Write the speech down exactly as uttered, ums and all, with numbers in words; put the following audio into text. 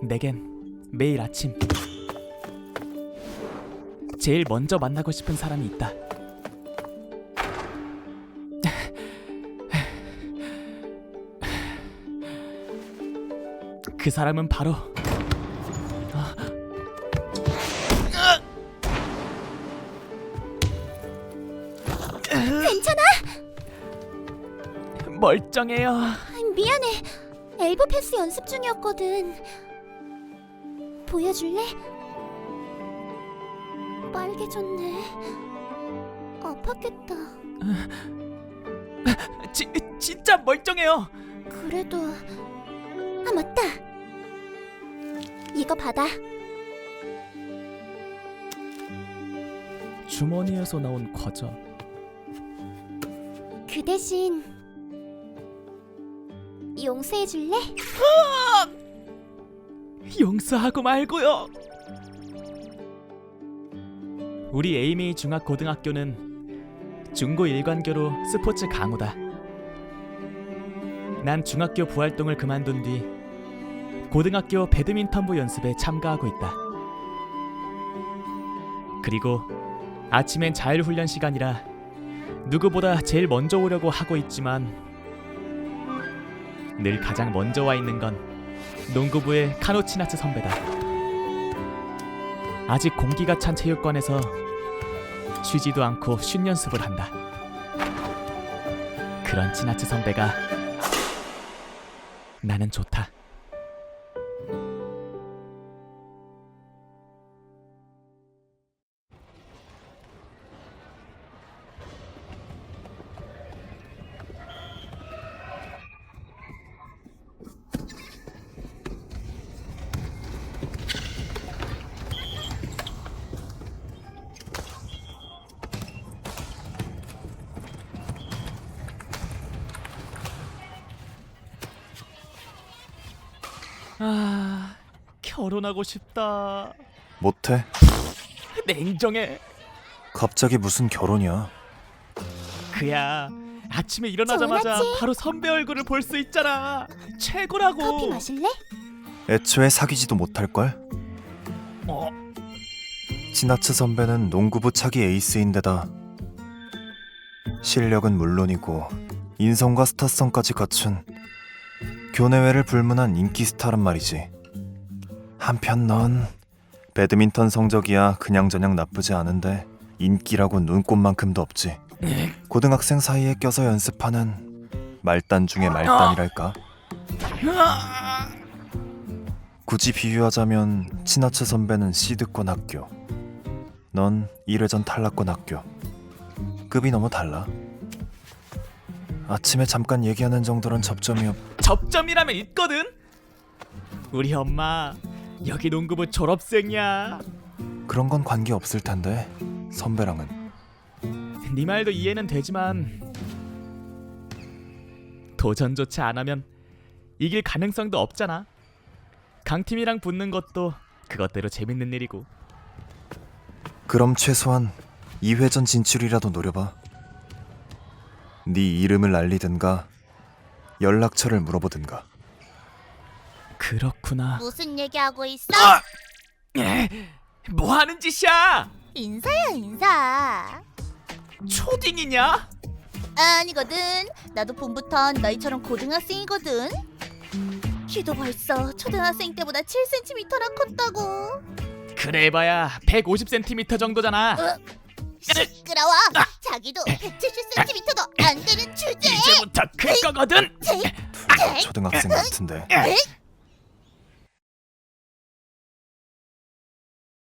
내겐 매일 아침 제일 먼저 만나고 싶은 사람이 있다. 그 사람은 바로 아. 괜찮아? 멀쩡해요. 미안해. 엘보 패스 연습 중이었거든. 보여줄래? 빨개졌네. 아팠겠다. 지, 진짜 멀쩡해요. 그래도... 아, 맞다. 이거 받아. 주머니에서 나온 과자. 그 대신 용서해줄래? 용서하고 말고요. 우리 에이미 중학고등학교는 중고 일관교로 스포츠 강호다. 난 중학교 부활동을 그만둔 뒤 고등학교 배드민턴부 연습에 참가하고 있다. 그리고 아침엔 자율훈련 시간이라 누구보다 제일 먼저 오려고 하고 있지만 늘 가장 먼저 와 있는 건 농구부의 카노치나츠 선배다. 아직 공기가 찬 체육관에서 쉬지도 않고 슛 연습을 한다. 그런 치나츠 선배가 나는 좋다. 아, 결혼하고 싶다. 못해? 냉정해. 갑자기 무슨 결혼이야? 그야 아침에 일어나자마자 전화지? 바로 선배 얼굴을 볼 수 있잖아. 최고라고. 커피 마실래? 애초에 사귀지도 못할걸? 어, 치나츠 선배는 농구부 차기 에이스인데다 실력은 물론이고 인성과 스타성까지 갖춘 교내외를 불문한 인기 스타란 말이지. 한편 넌 배드민턴 성적이야 그냥저냥 나쁘지 않은데 인기라고 눈꼽만큼도 없지. 고등학생 사이에 껴서 연습하는 말단 중에 말단이랄까? 굳이 비유하자면 치나츠 선배는 시드권 학교, 넌 일 회전 탈락권 학교. 급이 너무 달라. 아침에 잠깐 얘기하는 정도는 접점이 없... 접점이라면 있거든. 우리 엄마 여기 농구부 졸업생이야. 그런 건 관계없을 텐데 선배랑은. 네 말도 이해는 되지만 도전조차 안 하면 이길 가능성도 없잖아. 강팀이랑 붙는 것도 그것대로 재밌는 일이고. 그럼 최소한 이 회전 진출이라도 노려봐. 네 이름을 알리든가 연락처를 물어보든가. 그렇구나. 무슨 얘기하고 있어? 아! 뭐 하는 짓이야? 인사야, 인사. 초딩이냐? 아니거든. 나도 봄부턴 너희처럼 고등학생이거든. 키도 벌써 초등학생 때보다 칠 센티미터나 컸다고. 그래 해봐야 백오십 센티미터 정도잖아. 시끄러워. 자기도 백칠십 센티미터도 안 되는 주제에 이제부터 클 거거든. 둘 다 초등학생 같은데.